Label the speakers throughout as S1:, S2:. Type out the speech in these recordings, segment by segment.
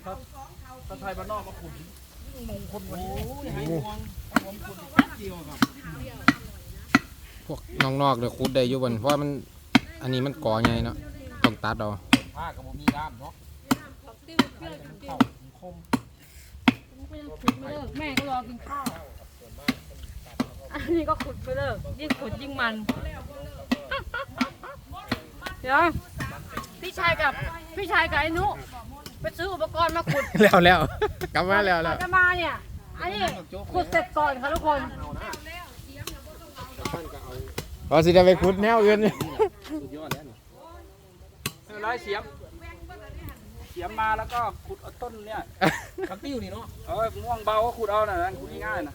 S1: ถ้าไทยบ้านนอกมาขุดมงคลวันนี้ให้มองผมขุดเดียวครับ
S2: พวกนอกๆเดี๋ยวขุดได้อยู่บนเพราะมันอันนี้มันก่อไงเนาะต้องตัดเอา
S1: ผ้ากับผมมีด้ามเนาะเข้าคม
S3: แม่ก็รอกินข้าวอันนี้ก็ขุดไปเลยยิ่งขุดยิ่งมันเดี๋ยวพี่ชายกับไอ้นุไปซื้ออุปกรณ์มาขุด
S2: แล้วกลับมาแล้ว
S3: จะมาเนี่ยอันนี้ขุดเสร็จก่อนค่ะทุกคน
S2: พอสิจะไปขุดแนวอื่น
S1: ร้อยเสียมมาแล้วก็ขุดเอาต้นเนี่ยกระติ้วนี่เนาะม่วงเบาก็ขุดเอาน่ะนั่นขุดง่ายๆนะ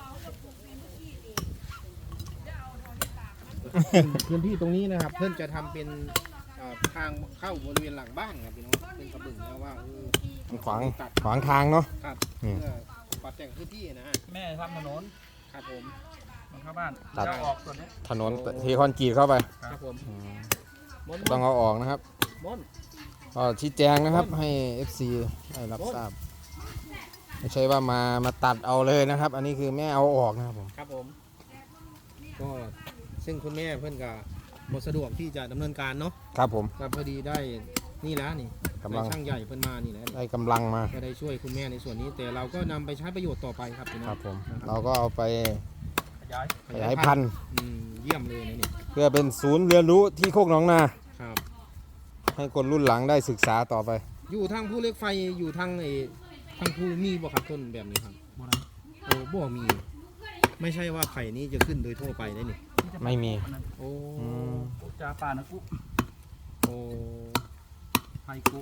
S4: พื้นที่ตรงนี้นะครับเพื่อนจะทำเป็นทางเข้าบริเวณหลังบ้านครับพี่น้องเป็นกระบึงนะว่า
S2: ขวางทางเนาะ
S4: ครับเพื่อปรับแต่งพื้นที่นะฮะ
S1: แม่ทำถนน
S4: ครับผม
S1: มันเข้าบ้าน
S2: ตัด
S1: ออกส่วนนี้
S2: ถนนเทคอนกรีตเข้าไป
S4: ครับผม
S2: ต้องเอาออกนะครับก็ชี้แจงนะครับให้ FC ได้รับทราบไม่ใช่ว่ามาตัดเอาเลยนะครับ อันนี้คือแม่เอาออกนะครับผม
S4: ครับผมก็ซึ่งคุณแม่เพื่อนก็หมดสะดวกที่จะดำเนินการเนาะ
S2: ครับผม
S4: ก็พอดีได้นี่แล้วนี่กำลังช่างใหญ่เพื่อนมานี่แหละ
S2: ได้กำลังมา
S4: ก็ได้ช่วยคุณแม่ในส่วนนี้แต่เราก็นำไปใช้ประโยชน์ต่อไปครับพี่น้อง
S2: ครับผมเราก็เอาไปขยายพันธุ์
S4: เยี่ยมเลยนะนี่
S2: เพื่อเป็นศูนย์เรียนรู้ที่โคกหนองนาครับให้คนรุ่นหลังได้ศึกษาต่อไป
S4: อยู่ทางภูเหล็กไฟอยู่ทางภูมีบ่ครับต้นแบบนี้ครับโอ้บ่มีไม่ใช่ว่าไผ่นี้จะขึ้นโดยทั่วไปได้นี่
S2: ไม่มี
S4: โอ้
S1: จ่าป่านะกุ๊
S4: โอ้
S1: ไผ่กุ๊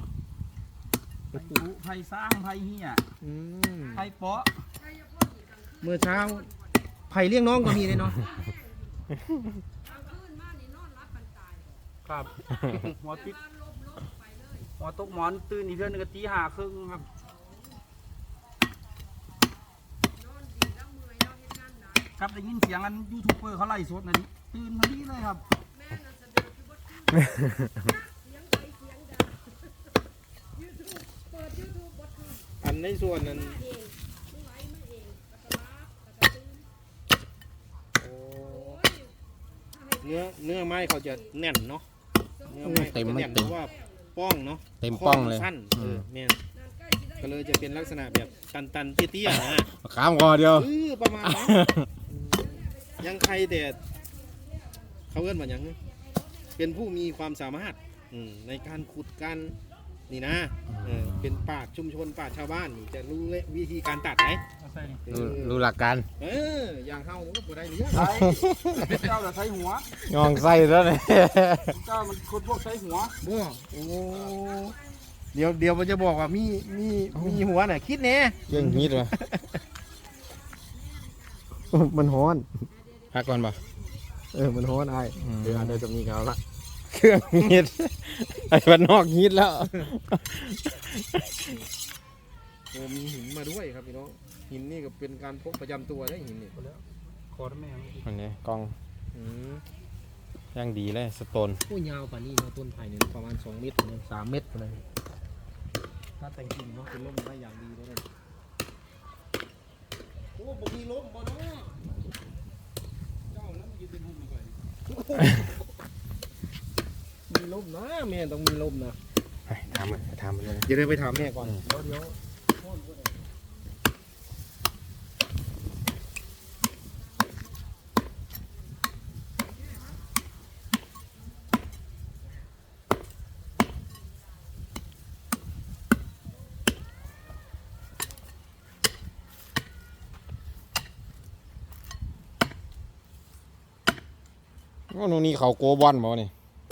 S1: ไผ่สร้างไผ่เหี้ยไผ่เปาะ
S4: เมื่อเช้าไผ่เลี้ยงน้องก็มีเลยเนาะ
S1: ครับหัวติดหัวตกหมอนตื่นอีกเพื่อนนึงก็ตีห้าครึ่งครับครับได้ยินเสียงอันยูทูบเบอร์เขาไล่สดนะดิตื่นพอดีเลยครับ
S4: อันในส่วนนั้นเนื้อไม้เขาจะแน่นเนาะเนื้อไม้
S2: เต็ม
S4: ว่าป้องเนาะ
S2: เต็มป้องเลย
S4: สั้นเนี่ยก็เลยจะเป็นลักษณะแบบตันเตี้ยๆนะ
S2: ข้ามคอเดียว
S4: ประมาณนั้นยังใครแต่เขาเอื้อนว่าอย่างเป็นผู้มีความสามารถในการขุดกันนี่นะเป็นป่าชุมชนป่าชาวบ้านนี่จะรู้วิธีการตัดไหม
S2: รู้หลักการ
S4: อย่างเข้าก็ได้เนี่ย
S1: เจ้าจะใช้หัว
S2: งองไส้แล้วเนี่ย
S1: เจ้ามันคนพวกใช้หัว
S4: บ้าโอ้เดี๋ยวมันจะบอกว่ามีหัวน่ะคิดแน่
S2: ยังฮิตวะมันฮ้อนพักก่อนป่ะ
S4: มันฮ้อนไอ้เดี๋ยวจะมีเขาละ
S2: เครื่องฮิตไอ้บ้านนอกฮิตแล้ว
S4: มีหินมาด้วยครับพี่น้องหินนี่ก็เป็นการพกประจำตัวได้หินนี่
S1: ขอได้ไหม
S2: อันนี้กองย่างดีเลยสโตน
S4: ผู้ยาวป่านี้เนาะต้นไผ่เนี่ยประมาณ2 เมตร3 เมตรเลยถ้าแต่งจริงเนาะเป็นร่มได้อย่างดีเลยโอ้บ่มีร่มบ่เนาะเจ้านั้นยืนเป็นหุ่นมาก่อนมีร่มนะแม่ต้องมีร่มนะ
S2: ทำเลย
S4: เดี๋ยวไปถามแม่ก่อนเดี๋ยว
S2: ว่าโน่นนี่เขาโกบอนบ่นี่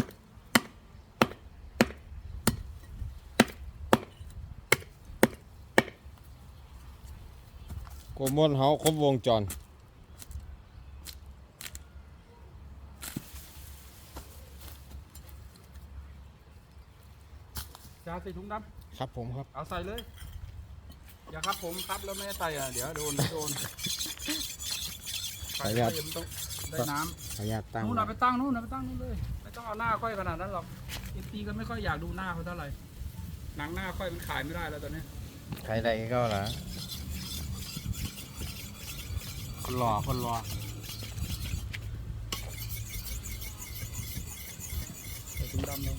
S2: โกบอนเขาครบวงจร
S1: จะใส่ถุงดำ
S2: ครับผมครับ
S1: เอาใส่เลยอย่าครับผมครับแล้วไม่ใส่เดี๋ยวโดน
S2: ขออนุญาต
S1: ได้น้ำ
S2: ขออนุญาตตั้ง
S1: นู่นไปตั้งนู่นเลยไม่ต้องเอาหน้าค่อยขนาดนั้นหรอกตีกันไม่ค่อยอยากดูหน้าเขาเท่าไหร่หนังหน้าค่อยมันขายไม่ได้แล้วตอนนี้
S2: ใครใดก็ล่ะคนรอคนรอ
S1: ใส่ถุงดำเลย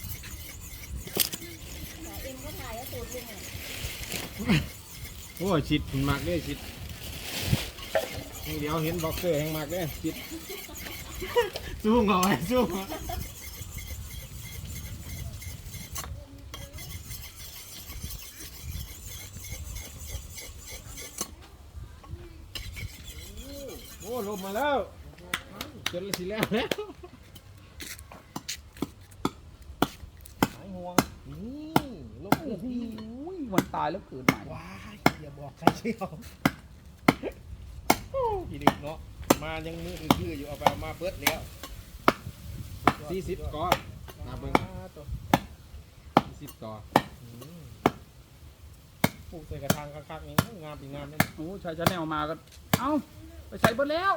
S3: เอ็มก็ถ่ายแล้วตูดลุงอ่ะ
S2: โอ้ยชิดมันมากเลยชิดเดี๋ยวเห็นบ็อกเซอร์แห่งมากเลยชิดสู้เอาไว้สู้โอ้ลงมาแล้วจนสิแล้วแล้ว
S4: หายห่วงนี่ลบ
S1: โอ้โหวันตายแล้วเกิดใหม่
S4: ว้ายอย่าบอกใครเชียวพี่ดึกเนาะมายังมือคืออยู่เอาไปเอามาเบิดแล้ว
S2: 40ก่อนาเบิ้ง
S4: ตัว
S2: 40ก่อ
S4: ปลูกใส่กระถางคักๆนี่งามปีงามเลย
S1: โอ้ชายชาแนลมาก็เอ้าไปใส่เบิดแล้ว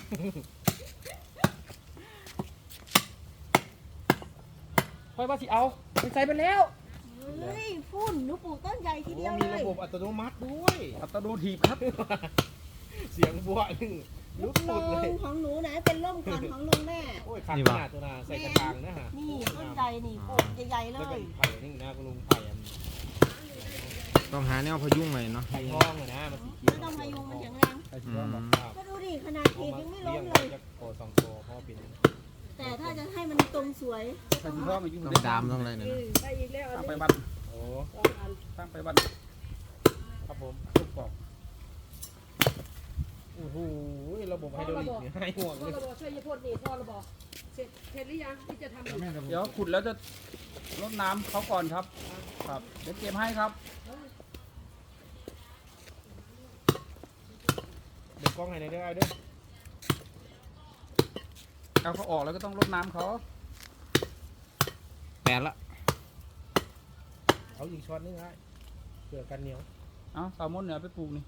S1: ค่อยว่าสิเอาไปใส่เบิดแล้ว
S3: เฮ้ยฝุ่นหนูปลูกต้นใหญ่ทีเดียว
S4: มี
S3: เล
S4: ระ
S3: ย
S4: บบอัตโนมัติด้วย
S1: อัตโนทีบครับ
S4: เสียงบัวนึงลุก
S3: ล
S4: สุดเลย
S3: งของหนูนะเป็นร่มก่อนของลุงแม่
S4: โอ้ยขาดขนาดตัวนาใส่กระถางนะฮะ
S3: นี่ต้นใหญ่นี่ปลูกใหญ่ๆเล
S4: แล้วก็
S3: ย
S4: ไผ่นี่นะคุณลุงไผ่อัน
S2: ต้องหาแนวพยุงหน่อยเนาะ
S4: ไผ่ทองเลยนะมันสีเขียว
S3: ไม่ต้องพายุงมันแข็งแรง
S1: ไอ้
S2: อื
S1: ที่ว่าบอก
S2: ม
S3: ก็ดูดิขนาดขีดยังไม่ล้
S4: เลี้ย
S3: ม
S4: ง
S3: เลย
S4: จะโตสองโตเพราะเป็น
S3: แต่ถ้าจะให้มันตรงสวย
S1: ใส่ที่ว่ามายุ่ง
S2: ต้องดามต้องอะไรเนี่ยนะ
S3: ได้อีกแล้ว
S1: ตั้งไปบัน
S4: โอ้
S1: ตั้งไปบัน
S4: ครับผม
S1: ลูกบอก
S4: โอ้โหระบบไฮดรอลิกเนี่ยให้ห่วง
S5: พ่อ
S4: เลย
S5: ระบอกช่วยยายพดนี่พ่อระบอกเสร็จหรือยังที่จะทำอีก
S1: เดี๋ยวขุดแล้วจะรดน้ำเขาก่อนครับ ครับเดี๋ยวเก็บให้ครับ
S4: เดี๋ยวกล้องให้ในอยเด้อไอ้เด้อ
S1: เอาเขาออกแล้วก็ต้องรดน้ำเขา
S2: แปดละ
S4: เอาอีกช็อตนึงไอ้เผื่อกันเหนียว
S1: เอาแซลมอนเนี่ยไปปลูกนี่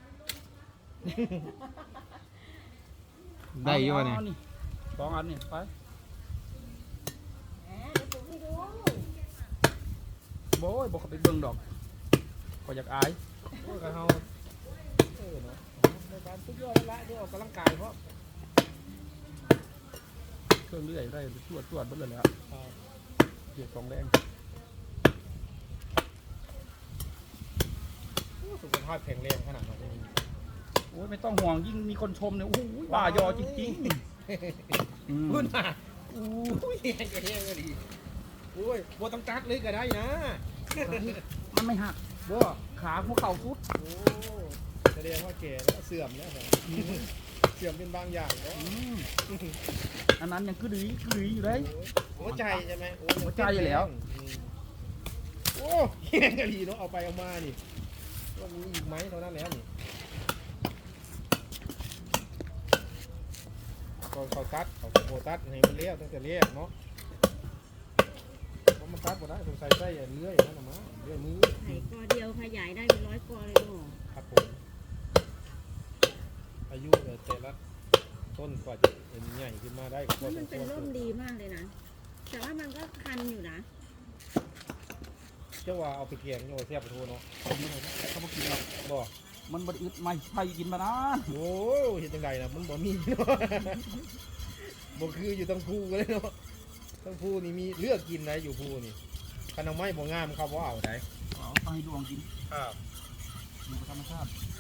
S2: ได้อยั่วเนี่ย
S1: อาสองอันนี่ไป
S3: แหมเดี๋ยวปลูกให้ดู
S1: โบ้ยบอกเขาไปเบิ่งดอกก็อยากอาย
S4: โอ้ยกระเฮาเนาะในการสุดยอดแล้วละเดี๋ยวออกกำลังกายเพราะ
S1: เครื่องเลื่อยได้ตรวจเบิ่งเลยแหล้วเกี่ยวกับแรง
S4: สุขภาพแข็งแรงขนาดนั้น
S1: โอ้ยไม่ต้องห่วงยิ่งมีคนชมเนี่ยโอ้โหว่ายอจริงๆอืม
S4: พูดมาอุ้ยแย่ก็ดีโอ้ยบัวต้องตัดเลยก็ได้นะ
S1: มันไม่หัก
S4: บัว
S1: ขาหัวเข่าสุด
S4: โอ้แสดงว่าแก่แล้วเสื่อมแล้วเหรอเสื่อมเป็นบางอย่างเนาะ
S1: อืมอันนั้นยังกระดืออยู่เลย
S4: หัวใจใช่ไหมโอ้
S1: หัวใจอยู่แล้ว
S4: โอ้แย่ก็ดีเนาะเอาไปเอามานี่ว่ามีอีกไหมเท่านั้นแล้วนี่เขาตัดเขาโบตัดให้มันเลี้ยวตั้งแต่เลี้ยเนาะเพราะมันตัดหมดได้สงสัยใส่เลื่อยนั่นนะมั้งเลื่อยมือ
S3: ไข่กอเดียวขยายได้เป็น100 กอเลยเนาะ
S4: ครับผมอายุแต่ละต้นกว่าจะเป็นใหญ่ขึ้นมาได้ก็พอ
S3: นี่
S4: ส
S3: มั
S4: ม
S3: น
S4: ค
S3: เป็น
S4: วร
S3: ร่มดีมากเลยนะ แต่ว่ามันก็คันอยู่นะ
S4: เจ้าว่าเอาไปเกียงโยเสียบไปโทเนาะ
S1: เขาบอกกินหรอก
S4: บ่
S1: มันบไดอึดไม่ใช่กินมานาน
S4: โอ้เห็นจังไดนะมันบ่มีเนาะบ่คืออยู่ตั้งภูเลยเนาะตั้งภูนี่มีเลือกกินได้อยู่ภูนี่คันเอาไม้บ่งามเขาบ่เอาได้
S1: เอาไปให้ดวงกิน
S4: ครับ
S1: อยู่กับธรรมชาติ